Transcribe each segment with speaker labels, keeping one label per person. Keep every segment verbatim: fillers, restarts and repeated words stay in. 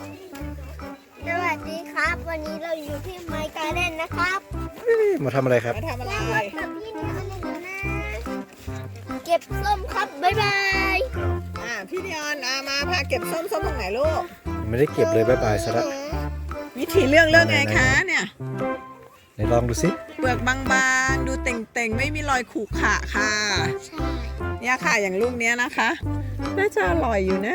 Speaker 1: สวัสดีครับวันนี้เราอยู่ที่ไมค์การ์เด้นนะครับ
Speaker 2: มาทำอะไรครับ
Speaker 3: มาทำอะไร
Speaker 1: กับพี่นี่อันนี้นะ เก็บส้มครับบ๊ายบาย
Speaker 3: อ่าพี่เนียนอ่ามาพาเก็บส้มส้มตรงไหนลูก
Speaker 2: ไม่ได้เก็บเลยบายบายซะละ
Speaker 3: วิธีเลือกเลือกไงคะเนี่ย
Speaker 2: ไหนลองดูสิ
Speaker 3: เปลือกบางๆดูเต่งๆไม่มีรอยขรุขระค่ะ
Speaker 1: ใช่
Speaker 3: เนี่ยค่ะอย่างลูกเนี้ยนะคะน่าจะอร่อยอยู่นะ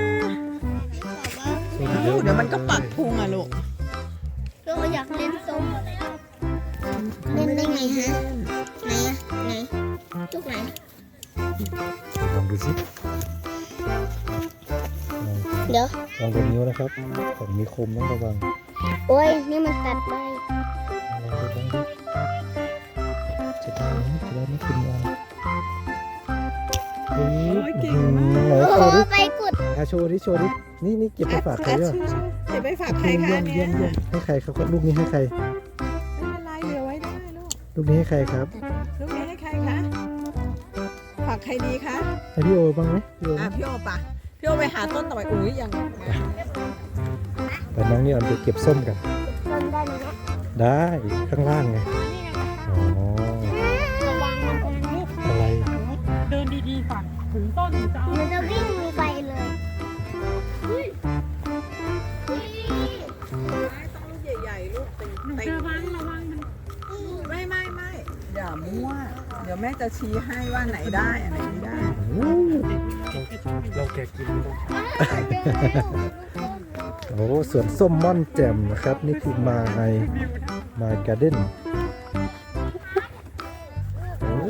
Speaker 1: แต่ว่า
Speaker 3: ลูกเดี๋ยวมันก็ปักพุงอ่ะลูก
Speaker 1: เราอยากเล่นส้มเล่นได้ไงฮะไหนอะไหนจุกไหน
Speaker 2: ลองดูสิ
Speaker 1: เดี๋ยว
Speaker 2: ลองดูนิ้วนะครับของมีคมต้องระวัง
Speaker 1: โอ้ยนี่มันตัดไป
Speaker 2: ลองดูลองดูจะได้ไหมจะได้ไม่กินยังเฮ้ยไหน
Speaker 1: โอ้
Speaker 2: โช
Speaker 1: โห
Speaker 2: ว์ดิ
Speaker 1: ไปกุด
Speaker 2: อ่ะโชว์ดิโชว์ดินี่นี่เก็บไปฝากใครอ่ะ
Speaker 3: เก็บไปฝากใครคะ
Speaker 2: เยี่ยม
Speaker 3: เนี่
Speaker 2: เยี่ย
Speaker 3: ย
Speaker 2: มเยี่ยมให้ใครครับลูกนี้ให้ใคร
Speaker 3: ไม่เป็นไรเหลือไว้ได้ลูก
Speaker 2: ลูกนี้ให้ใครครับ
Speaker 3: ลูกนี้ให้ใครคะฝากใครดีคะ
Speaker 2: ให้พี่โอบ้างไหมพี่โอ
Speaker 3: อ่ะพี่โอปะพี่โอไปหาต้นต่อไปอุ้ยยัง
Speaker 2: แต่น้องนี่เอาไปเก็บส้มกัน
Speaker 1: ส้มได้ไหมนะ
Speaker 2: ได้ข้างล่างไงอ๋อ
Speaker 1: ระวังมันจะ
Speaker 2: อะไร
Speaker 4: เดินดีๆก่อนถึงต้นถึงจะเอา
Speaker 1: มันจะวิ่งไปเลย
Speaker 3: ต้องลูกใหญ่ๆลูกเต็ง
Speaker 4: หนู
Speaker 3: เต็ง
Speaker 4: เจอบ้างระวังมัน
Speaker 3: ไม่ไม่ไม่อย่ามั่วเดี๋ยวแม่จะชี้ให้ว่าไหนได้อันไหนไม่ได้
Speaker 2: เราแกกินโอ้สวนส้มม่อนแจ่มนะครับ นี่คือมาไอมาการ์เด้นโอ้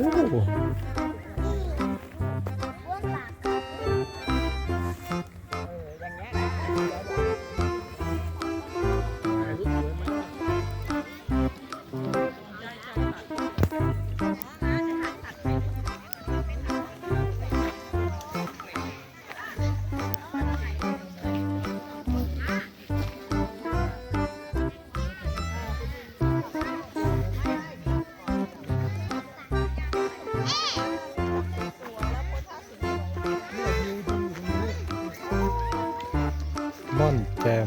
Speaker 2: ม่อนแจ่ม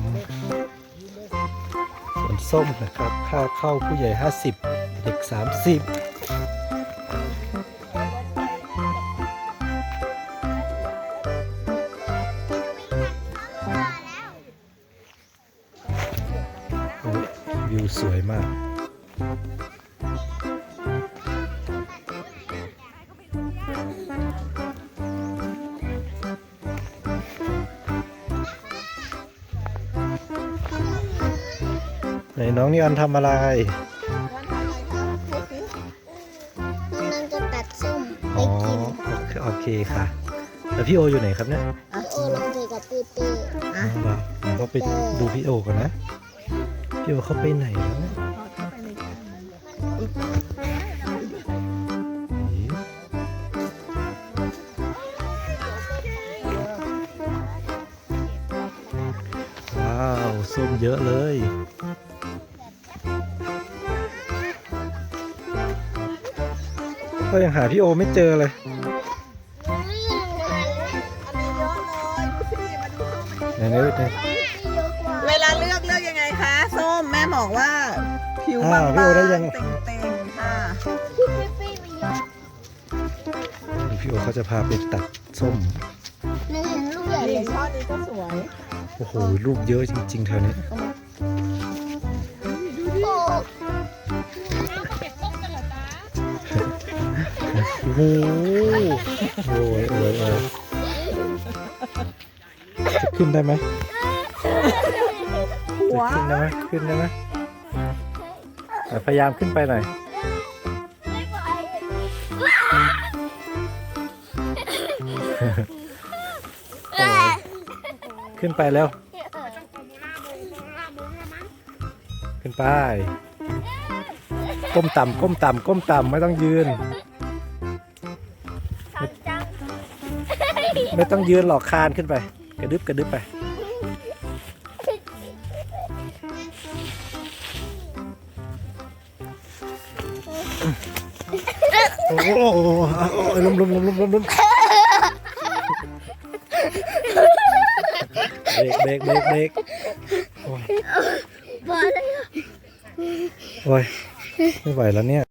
Speaker 2: สวนส้มนะครับ ค่าเข้าผู้ใหญ่ห้าสิบเด็กสามสิบวิวสวยมากไหนน้องนิออนทำอะไร
Speaker 1: น้องจะตัดส้มไป
Speaker 2: อ๋อ
Speaker 1: กิน
Speaker 2: โอเคค่ะ แล้วพี่โออยู่ไหนครับเนี่ย
Speaker 1: โอ้ลงเจอกับเต้เต้
Speaker 2: อ๋อเหรอผมก็ไปดูพี่โอก่อนนะ พี่โอเขาไปไหนแล้วเนี่ยว้าวส้มเยอะเลย ก็ยังหาพี่โอไม่เจอเลย
Speaker 3: อันนี้เยอะเลยดูสิมาดูส้ม
Speaker 2: ไหนๆไหน
Speaker 1: เยอะกว่า
Speaker 3: เวลาเลือกเลือกยังไงคะส้มแม่บอกว่าผิว
Speaker 2: อ้า
Speaker 3: บาว ง
Speaker 2: พี่โอได้ยัง
Speaker 3: ๆเต่งๆค่ะ
Speaker 1: พี่พี่พี่มีเยอะ
Speaker 2: พี่โอเขาจะพาไปตัดส้ม
Speaker 1: หนูเห็นลูกใหญ่เล
Speaker 3: นี่
Speaker 1: ย
Speaker 3: ช่อนี้ก็สวย
Speaker 2: โอ้โห ลูกเยอะจริงๆแถวนี้
Speaker 1: โอ้
Speaker 2: โอ้โหโอ้ยโอ้ยโอ้ยจะขึ้นได้ไหมจะขึ้นได้ไหมขึ้นได้ไหมอ่ะพยายามขึ้นไปหน่อย
Speaker 1: ไม่ไหว
Speaker 2: ขึ้นไปแล้ว ขึ้นไป ก้มต่ำก้มต่ำก้มต่ำไม่ต้องยืน
Speaker 1: จัง
Speaker 2: ไม่ต้องยืนหรอกคานขึ้นไป กระดึบกระดึบไป โอ้โหล้มล้มล้มล้มล้มล้มเบรกเบรกเบรกเบรกโอ้ย
Speaker 1: พอแล้ว
Speaker 2: โอ้ยไม่ไหวแล้วเนี่ย